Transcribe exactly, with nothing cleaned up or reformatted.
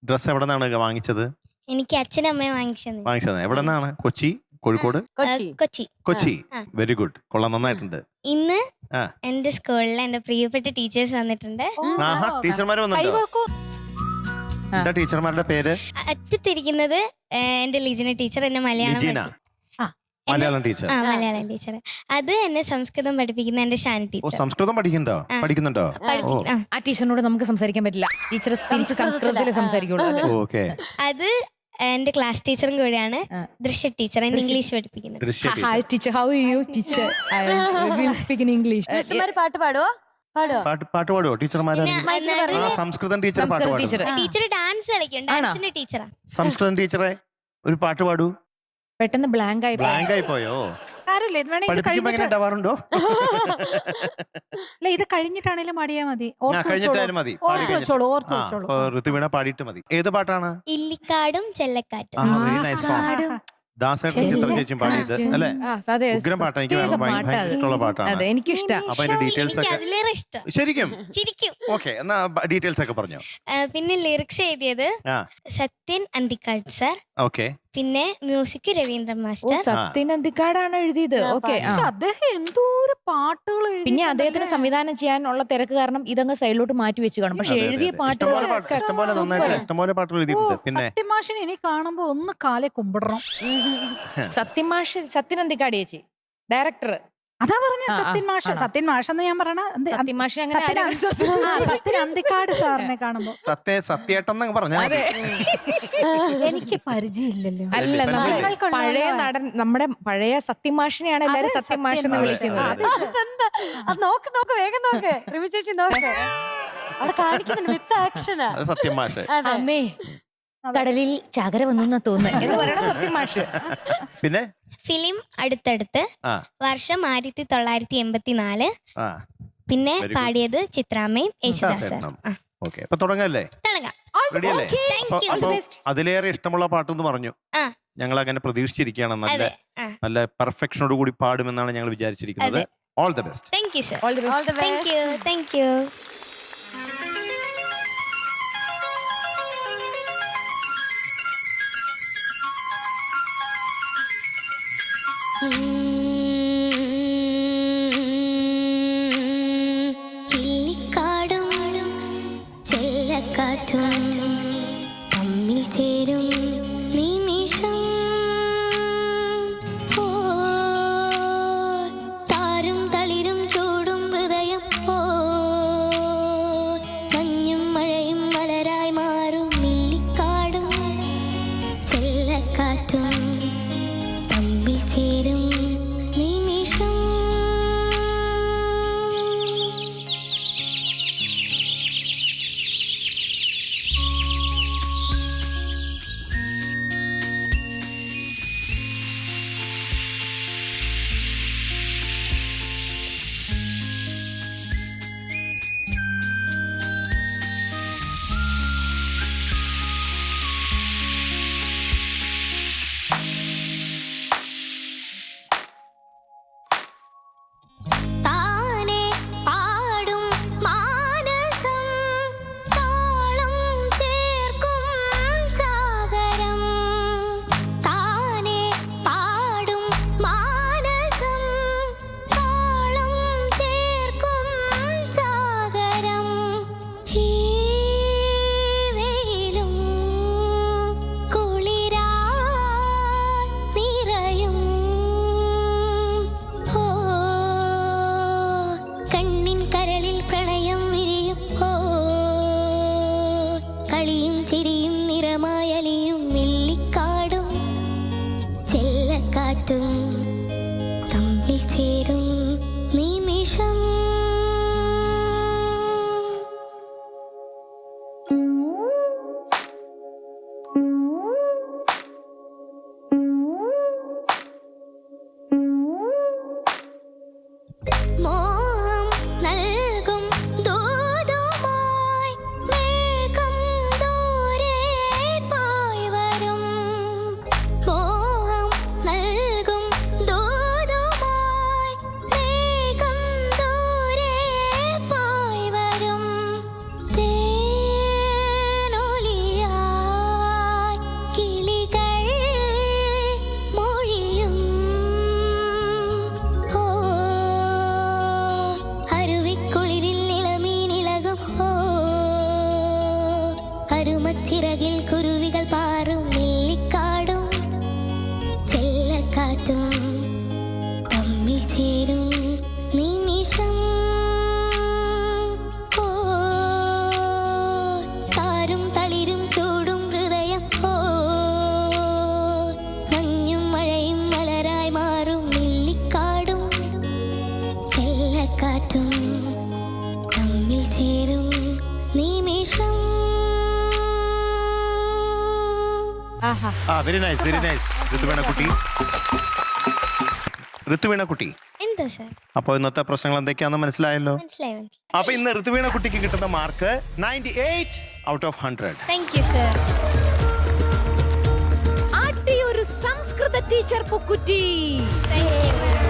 Dress എവിടെ നിന്നാണ് വാങ്ങിച്ചത്? എനിക്ക് അച്ഛനും അമ്മയും വാങ്ങിച്ചത്. വാങ്ങിച്ചത് എവിടെ നിന്നാണ്? കൊച്ചി, കോഴിക്കോട്, കൊച്ചി. കൊച്ചി. വെരി ഗുഡ്, കൊള്ളാം, നന്നായിട്ടുണ്ട്. ഇന്ന് എന്റെ സ്കൂളിൽ എന്റെ പ്രിയപ്പെട്ട ടീച്ചേഴ്സ് വന്നിട്ടുണ്ട്. ടീച്ചർമാർ വന്നിട്ടുണ്ടോ? എന്താ ടീച്ചർമാരുടെ പേര്? അറ്റത്തിരിക്കുന്നത് എന്റെ ലിജിന ടീച്ചർ, എന്നെ മലയാളം മലയാളം ടീച്ചർ. ആ മലയാളം ടീച്ചർ. അത് എന്നെ സംസ്കൃതം പഠിപ്പിക്കുന്ന എന്റെ ഷാനി ടീച്ചർ. സംസ്കൃതം പഠിക്കുന്നുണ്ടോ? പഠിക്കുന്നുണ്ടോ? ആ ടീച്ചറിനോട് നമുക്ക് സംസാരിക്കാൻ പറ്റില്ല. ടീച്ചർ തിരിച്ച് സംസ്കൃതത്തിൽ സംസാരിക്കുള്ളൂ. അത് എന്റെ ക്ലാസ് ടീച്ചറും കൂടെയാണ് ദൃശ്യ ടീച്ചർ, എന്നെ ഇംഗ്ലീഷ് പഠിപ്പിക്കുന്നത്. Hi teacher, how are you teacher? I will speak in English. പാട്ട് പാടുവോ? പാട്ട് പാട്ട് പാടുവോ ടീച്ചർമാരെ? സംസ്കൃതം ടീച്ചർ പാട്ട് പാടും. ടീച്ചർ ഡാൻസ് കളിക്കും, ഡാൻസിന്റെ ടീച്ചറാ. സംസ്കൃതം ടീച്ചറെ ഒരു പാട്ട് പാടൂ. പെട്ടെന്ന് ബ്ലാങ്ക് ആയി ബ്ലാങ്ക് ആയി പോയോ? പഠിപ്പിക്കുമ്പോ എങ്ങനെ ഉണ്ടാവാറുണ്ടോ? അല്ല, ഇത് കഴിഞ്ഞിട്ടാണേലും പാടിയാ മതി. കഴിഞ്ഞിട്ടായാലും മതി. ഋതുവീണ പാടിയിട്ട് മതി. ഏത് പാട്ടാണ്? ഇല്ലിക്കാടും ചെല്ലക്കാറ്റും. ദാസേട്ടൻ ചിത്രം ചേച്ചിയും പാടിയത് അല്ലേ? ഉഗ്രം പാട്ടാണ്, എനിക്ക് ഭയങ്കര ഇഷ്ടമുള്ള പാട്ടാണ്. എനിക്കിഷ്ടം. അപ്പൊ അതിന്റെ ഡീറ്റെയിൽസ് ഒക്കെ അതിലേറെ ഇഷ്ടം. ശരിക്കും ശരിക്കും. ഓക്കെ, എന്നാ ഡീറ്റെയിൽസ് ഒക്കെ പറഞ്ഞോ. പിന്നെ ലിറിക്സ് എഴുതിയത് സത്യൻ അന്തിക്കാട് സാർ. ഓക്കെ. പിന്നെ മ്യൂസിക് രവീന്ദ്രൻ മാസ്റ്റർ. സത്യൻ അന്തിക്കാടാണ് എഴുതിയത്. ഓക്കെ. അദ്ദേഹം എന്തോരം പാട്ടുകൾ എഴുതി. പിന്നെ അദ്ദേഹത്തിന് സംവിധാനം ചെയ്യാനുള്ള തിരക്ക് കാരണം ഇതങ്ങ് സൈഡിലോട്ട് മാറ്റി വെച്ച് കാണും. പക്ഷെ എഴുതിയ പാട്ടുകൾ ഇഷ്ടംപോലെ പാട്ടുകൾ എഴുതിയിട്ടുണ്ട്. പിന്നെ സത്യമാഷിനെ ഇനി കാണുമ്പോ ഒന്ന് കാലെ കുമ്പിടണം. സത്യമാഷ്, സത്യൻ അന്തിക്കാട് ചേച്ചി ഡയറക്ടർ. അതാ പറഞ്ഞ സത്യൻ മാഷ്. സത്യൻ മാഷ് എന്ന് ഞാൻ പറയണ സത്യൻ അന്തിക്കാട് സാറിനെ കാണുമ്പോ സത്യ സത്യേട്ടൻ പറഞ്ഞ എനിക്ക് പരിചയമില്ലല്ലോ. അല്ല, നമ്മുടെ പഴയ നടൻ, നമ്മുടെ പഴയ സത്യമാഷിനെയാണ് എല്ലാരും സത്യമാഷ് എന്ന് വിളിക്കുന്നത്. നോക്ക് നോക്ക്, വേഗം നോക്ക് റിമി ചേച്ചി, നോക്ക് അവിടെ കാണിക്കുന്നുണ്ട് വിത്ത് ആക്ഷനാ സത്യമാഷ്. അമ്മേ കടലിൽ ചാകര വന്നു തോന്നുന്നു എന്ന് പറയണ സത്യമാഷ്. പിന്നെ ഫിലിം അടുത്തടുത്ത്, വർഷം ആയിരത്തി തൊള്ളായിരത്തി എൺപത്തിനാല്. പിന്നെ പാടിയത് ചിത്രാമ്മയും യേശുദാസ്. തുടങ്ങല്ലേ? അതിലേറെ ഇഷ്ടമുള്ള പാട്ടെന്ന് പറഞ്ഞു. ഞങ്ങൾ അങ്ങനെ പ്രതീക്ഷിച്ചിരിക്കുകയാണ്. നല്ല നല്ല പെർഫെക്ഷനോട് കൂടി പാടുമെന്നാണ് ഞങ്ങൾ വിചാരിച്ചിരിക്കുന്നത്. All the best. Thank you sir. Thank you. Thank you. ഇല്ലിക്കാടും ചെല്ലക്കാറ്റും തമ്മിൽ ചേരും നിമിഷം, ഓ താരും തളിരും ചൂടും ഹൃദയം, ഓ മഞ്ഞും മഴയും മലരായി മാറും. ഇല്ലിക്കാടും ചെല്ലക്കാറ്റും തമ്മിൽ ചേരും നിമിഷം. താനെ പാടും മാനസം, താളം ചേർക്കും സാഗരം. താനെ പാടും മാനസം, താളം ചേർക്കും സാഗരം. ഈ വെയിലും കുളിരായി നിറയും, ഓ കണ്ണിൻ കരളിൽ പ്രണയം വിരിയും, ഓ കളിയും ചിരിയും നിറമായലിയും. ഇല്ലിക്കാടും ചെല്ലക്കാറ്റും തമ്മിൽ ചേരും നിമിഷം. മോഹം നൽകും ദൂതുമായി മേഘം ദൂരെ പോയി വരും. മോഹം നൽകും ദൂ ഓർമ്മച്ചിറകിൽ കുരുവികൾ പാറും നെല്ലിക്കാടും ചെല്ലക്കാറ്റും തമ്മിൽ ചേരും നിമിഷം. ഓ താരും തളിരും ചൂടും ഹൃദയം. ഓ മഞ്ഞും മഴയും മലരായി മാറും നെല്ലിക്കാടും ചെല്ലക്കാറ്റും തമ്മിൽ ചേരും നിമിഷം. ആഹാ. ആ very nice very nice Rithuvena കുട്ടി. ഋതുവേണ കുട്ടി, എന്താ സർ? അപ്പൊ ഇന്നത്തെ പ്രശ്നങ്ങൾ എന്തൊക്കെയാണെന്ന് മനസ്സിലായല്ലോ. മനസ്സിലായി മനസ്സിലായി. അപ്പൊ ഇന്ന് ഋതുവേണ കുട്ടിക്ക് കിട്ടുന്ന mark ninety eight out of hundred. Thank you sir. ആട്ടി ഒരു സംസ്കൃത ടീച്ചർ പുക്കുറ്റി. Thank you.